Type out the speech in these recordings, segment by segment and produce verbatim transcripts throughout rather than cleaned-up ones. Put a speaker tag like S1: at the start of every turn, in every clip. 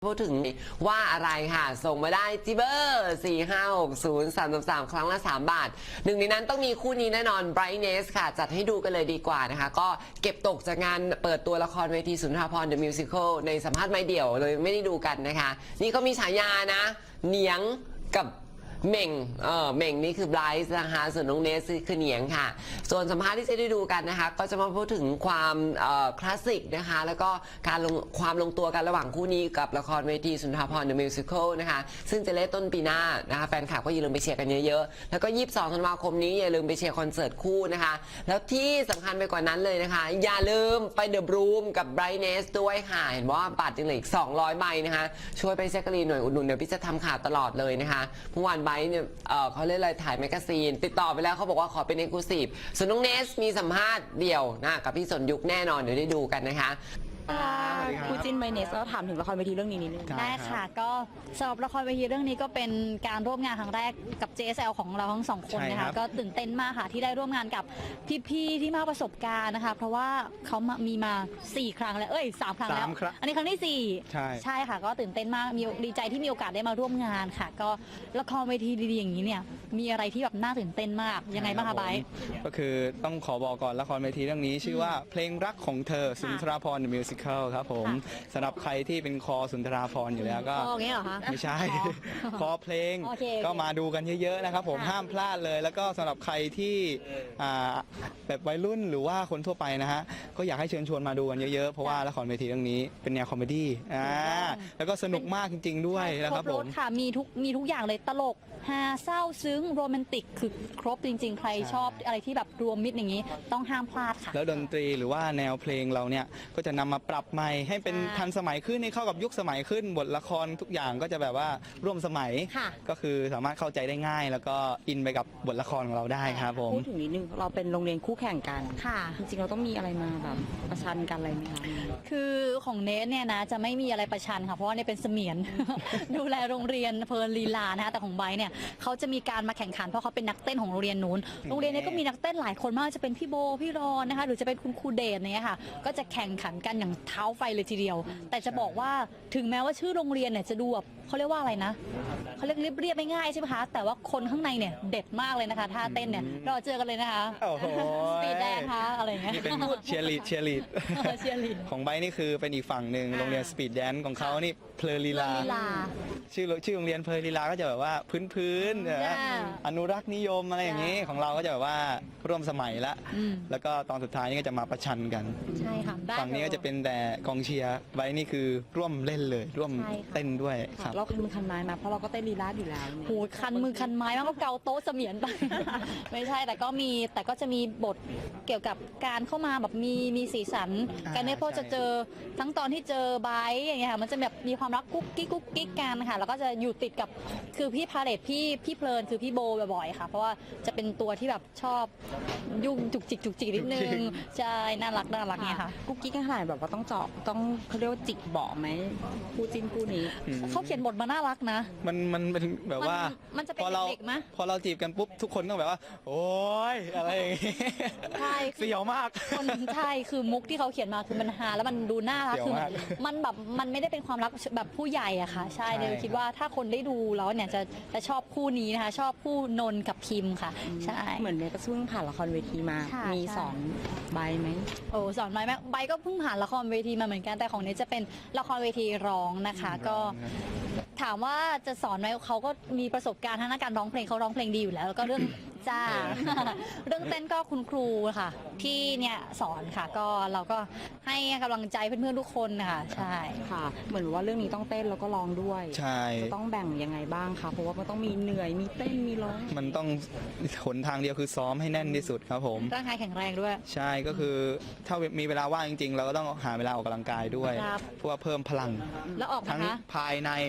S1: พูดถึงว่าอะไรค่ะส่งมาได้ที่เบอร์สี่ ห้า หก ศูนย์ สาม สาม ครั้งละสามบาทหนึ่งในนั้นต้องมีคู่นี้แน่นอน Brightness ค่ะจัดให้ดูกันเลยดีกว่านะคะก็เก็บตกจากงานเปิดตัวละครเวทีสุนทรภรณ์ The Musical ในสัมภาษณ์ไม่เดี่ยวเลยไม่ได้ดูกันนะคะนี่ก็มีฉายานะเหนียงกับเม่งเออเม่งนี่คือไบรท์นะคะส่วนน้องเนสคือเหนียงค่ะส่วนสัมภาษณ์ที่จะได้ดูกันนะคะก็จะมาพูดถึงความคลาสสิกนะคะแล้วก็การลงความลงตัวกันระหว่างคู่นี้กับละครเวทีสุนทรภรณ์ The Musical นะคะซึ่งจะเล่นต้นปีหน้านะคะแฟนคลับก็อย่าลืมไปเชียร์กันเยอะๆแล้วก็ยี่สิบสองธันวาคมนี้อย่าลืมไปเชียร์คอนเสิร์ตคู่นะคะแล้วที่สำคัญไปกว่านั้นเลยนะคะอย่าลืมไปเดอะบรูมกับ Brightness ด้วยค่ะเห็นว่าบัตรยังเหลืออีกสองร้อยใบนะคะช่วยไปแจ็คกะลีนหน่อยอุดหนุนเดี๋ยวพี่จะทำข่าวตลอดเลยนะคะเมื่อวานไบร์ทเนี่ยเอ่อเขาเล่นอะไรถ่ายแมกกาซีนติดต่อไปแล้วเขาบอกว่าขอเป็นเอ็กซ์คลูซีฟส่วนน้องเนสมีสัมภาษณ์เดี่ยวนะกับพี่สนยุคแน่นอนเดี๋ยวได้ดูกันนะคะ
S2: คู่จิ้นไบเนสก็ถามถึงละครเวทีเรื่องนี้นิดนึง
S3: ได้ค่ะก็สำหรับละครเวทีเรื่องนี้ก็เป็นการร่วมงานครั้งแรกกับ เจ เอส แอล ของเราทั้งสองคนนะคะก็ตื่นเต้นมากค่ะที่ได้ร่วมงานกับพี่ๆที่มากประสบการณ์นะคะเพราะว่าเขามีมาสี่ครั้งแล้วเอ้ยสามครั้งแล้วอันนี้ครั้งที่สี่ใช่ใช่ค่ะก็ตื่นเต้นมากมีดีใจที่มีโอกาสได้มาร่วมงานค่ะก็ละครเวทีดีๆอย่างนี้เนี่ยมีอะไรที่แบบน่าตื่นเต้นมากยังไงบ้างคะไบร์ท
S2: ก็คือต้องขอบอกก่อนละครเวทีเรื่องนี้ชื่อว่าเพลงรักของเธอสุนทรภรณ์ The Musical ครับผมสำหรับใครที่เป็นคอสุนทราภรณ์อยู่แล้วก็ไม่ใช่คอเพลงก็มาดูกันเยอะๆนะครับผมห้ามพลาดเลยแล้วก็สำหรับใครที่แบบวัยรุ่นหรือว่าคนทั่วไปนะฮะก็อยากให้เชิญชวนมาดูกันเยอะๆเพราะว่าละครเวทีเรื่องนี้เป็นแนวคอมเมดี้อ่าแล้วก็สนุกมากจริงๆด้วยนะครับผม
S3: ค่ะมีทุกมีทุกอย่างเลยตลกฮาเศร้าซึ้งโรแมนติกคือครบจริงๆใครชอบอะไรที่แบบรวมมิตรอย่างนี้ต้องห้ามพลาดค่ะ
S2: แล้วดนตรีหรือว่าแนวเพลงเราเนี่ยก็จะนำมาปรับใหม่ให้เป็นทันสมัยขึ้นให้เข้ากับยุคสมัยขึ้นบทละครทุกอย่างก็จะแบบว่าร่วมสมัยก็คือสามารถเข้าใจได้ง่ายแล้วก็อินไปกับบทละครของเราได้ครับผม
S4: พูดถึงนิดนึงเราเป็นโรงเรียนคู่แข่งกัน
S3: ค่ะ
S4: จริงๆเราต้องมีอะไรมาแบบประชันกันอะไรไหมคะ
S3: คือของเนสเนี่ยนะจะไม่มีอะไรประชันค่ะเพราะว่าเนี่ยเป็นเสมียน ดูแลโรงเรียนเพลินลีลานะคะแต่ของไบร์ทเนี่ยเขาจะมีการมาแข่งขันเพราะเขาเป็นนักเต้นของโรงเรียนนู้นโรงเรียนนี้ก็มีนักเต้นหลายคนมากจะเป็นพี่โบพี่รอนนะคะหรือจะเป็นคุณครูเดชเนี่ยค่ะก็จะแข่งขันกันอย่างเท้าไฟเลยทีเดียวแต่จะบอกว่าถึงแม้ว่าชื่อโรงเรียนเนี่ยจะดูแบบเขาเรียกว่าอะไรนะเขาเรียกเรียบๆง่ายๆใช่ไหมคะแต่ว่าคนข้างในเนี่ยเด็ดมากเลยนะคะท่าเต้นเนี่ยรอเจอกันเลยนะคะสปีดแดนคะอะไรเงี้ย
S2: นี่เป็นเชียร์ลีดเชียร์ลีด
S3: เชียร์ลีด
S2: ของไบร์ทนี่คือเป็นอีกฝั่งหนึ่งโรงเรียนสปีดแดนของเขานี่เพลลีลาชื่อชื่อโรงเรียนเพลลีลาก็จะแบบว่าพื้นๆอนุรักษ์นิยมอะไรอย่างนี้ของเราก็จะแบบว่าร่วมสมัยละแล้วก็ตอนสุดท้ายนี่ก็จะมาประชันกัน
S3: ใช่ค่ะ
S2: ฝั่งนี้ก็จะเป็นแต่กองเชียร์ไบร์ทนี่คือร่วมเล่นเลยร่วมเต้นด้วยครับ
S4: เราคันมือคันไม้มาเพราะเราก็เต้นลีลาอยู่แล้ว
S3: โหคันมือคันไม้มากก็เกาโต๊ะเสมียนไปไม่ใช่แต่ก็มีแต่ก็จะมีบทเกี่ยวกับการเข้ามาแบบมีมีสีสันกันเนี่ยพอจะเจอทั้งตอนที่เจอไบร์ทอย่างเงี้ยค่ะมันจะแบบมีความรักกุ๊กกิ๊กกุ๊กกิ๊กกันค่ะแล้วก็จะอยู่ติดกับคือพี่พาเลตพี่พี่เพลินคือพี่โบบ่อยๆค่ะเพราะว่าจะเป็นตัวที่แบบชอบยุ่งจุกจิกจุกจิกนิดนึงใช่น่ารักน่ารักเนี่ยค่ะ
S4: กุ๊กกิ๊กกันขนาดแบบว่าต้องเจาะต้องเขาเรียกว่าจิกเบาะไหมคู่จิ้นคู่นี้
S3: เขาเขียนบทมาน่ารักนะ
S2: มันมันเป็นแบบว่า
S3: มันจะเป็นเด็กๆมั้ย
S2: พอเราจีบกันปุ๊บทุกคนต้องแบบว่าโอ๊ยอะไรอย่างงี้
S3: ใช่
S2: เสียวมาก
S3: คนใช่คือมุกที่เขาเขียนมาคือมันฮาแล้วมันดูน่ารักคือมันแบบมันไม่ได้เป็นความรักแบบผู้ใหญ่อะค่ะใช่เลยคิดว่าถ้าคนได้ดูแล้วเนี่ยจะจะชอบคู่นี้นะคะชอบคู่นนกับพิมค่ะใช่
S4: เหมือนเมย์ก็เพิ่งผ่านละครเวทีมามีสอนใบไหม
S3: โอ้สอนใบไหมใบก็เพิ่งผ่านละครเวทีมาเหมือนกันแต่ของเนจะเป็นละครเวทีร้องนะคะก็ถามว่าจะสอนไหมเขาก็มีประสบการณ์ทางการร้องเพลงเขาร้องเพลงดีอยู่แล้วแล้วก็เรื่องจ้าเรื่องเต้นก็คุณครูค่ะที่เนี่ยสอนค่ะก็เราก็ให้กำลังใจเพื่อนๆทุกคนนะคะใช่
S4: ค่ะเหมือนว่าเรื่องนี้ต้องเต้นแล้วก็ร้องด้วย
S2: ใช่
S4: ต้องแบ่งยังไงบ้างคะเพราะว่ามันต้องมีเหนื่อยมีเต้นมีร้อง
S2: มันต้องหนทางเดียวคือซ้อมให้แน่นที่สุดครับผม
S3: ร่างกายแข็งแรงด้วย
S2: ใช่ก็คือถ้ามีเวลาว่างจริงๆเราก็ต้องหาเวลาออกกำลังกายด้วยเพื่อเพิ่มพลัง
S3: แล้วออก
S2: ทั้งภายในทั้ง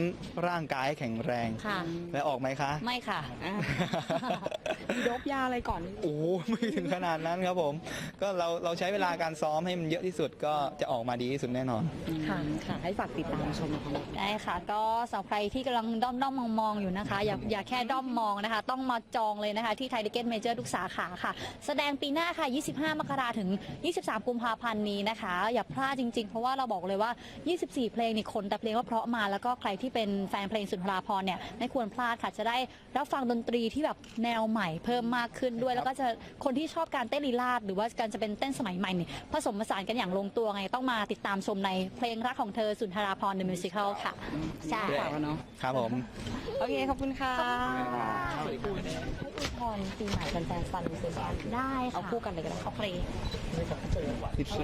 S2: ร่างกายให้แข็งแรง
S3: ค่ะ
S2: และออกไหมคะ
S3: ไม่ค่ะ
S4: อ่ะ มีโดบยาอะไรก่อน
S2: โอ้โหไม่ถึงขนาดนั้นครับผม ก็เราเราใช้เวลาการซ้อมให้มันเยอะที่สุดก็จะออกมาดีที่สุดแน่นอน
S3: ค่ะ
S4: ค่ะ ให้ฝากติดตามชมนะคะ
S3: ได้ค่ะ ก็สำหรับใครที่กำลังด้อมด้อมมองมองๆอยู่นะคะ อย่าอย่าแค่ด้อมมองนะคะ ต้องมาจองเลยนะคะที่ไทยทิเก็ตเมเจอร์ทุกสาขาค่ะ แสดงปีหน้าค่ะ ยี่สิบห้ามกราถึง ยี่สิบสาม กุมภาพันธ์นี้นะคะ อย่าพลาดจริงๆ เพราะว่าเราบอกเลยว่า ยี่สิบสี่ เพลงนี่คนแต่เพลงว่าเพราะมาแล้วก็ใครที่เป็นแฟนเพลงสุนทราภรณ์เนี่ยไม่ควรพลาดค่ะ จะได้รับฟังดนตรีที่แบบแนวใหม่เพิ่มมากขึ้นด้วย แล้วก็จะคนที่ชอบการเต้นลีลาดหรือว่าการจะเป็นเต้นสมัยใหม่นี่ผสมผสานกันอย่างลงตัวไงต้องมาติดตามชมในเพลงรักของเธอสุนทราภรณ์ The Musical ค่ะใช่
S4: ฝากแล้วเนาะ
S2: ครับผม
S4: โอเค ขอบคุณค่ะ
S3: ให้พรปีใหม่แฟนๆซันดูสิได้ค่ะ
S4: เอาคู่กันเลยก็ได้
S3: เอาเพลง
S2: ทิปโซ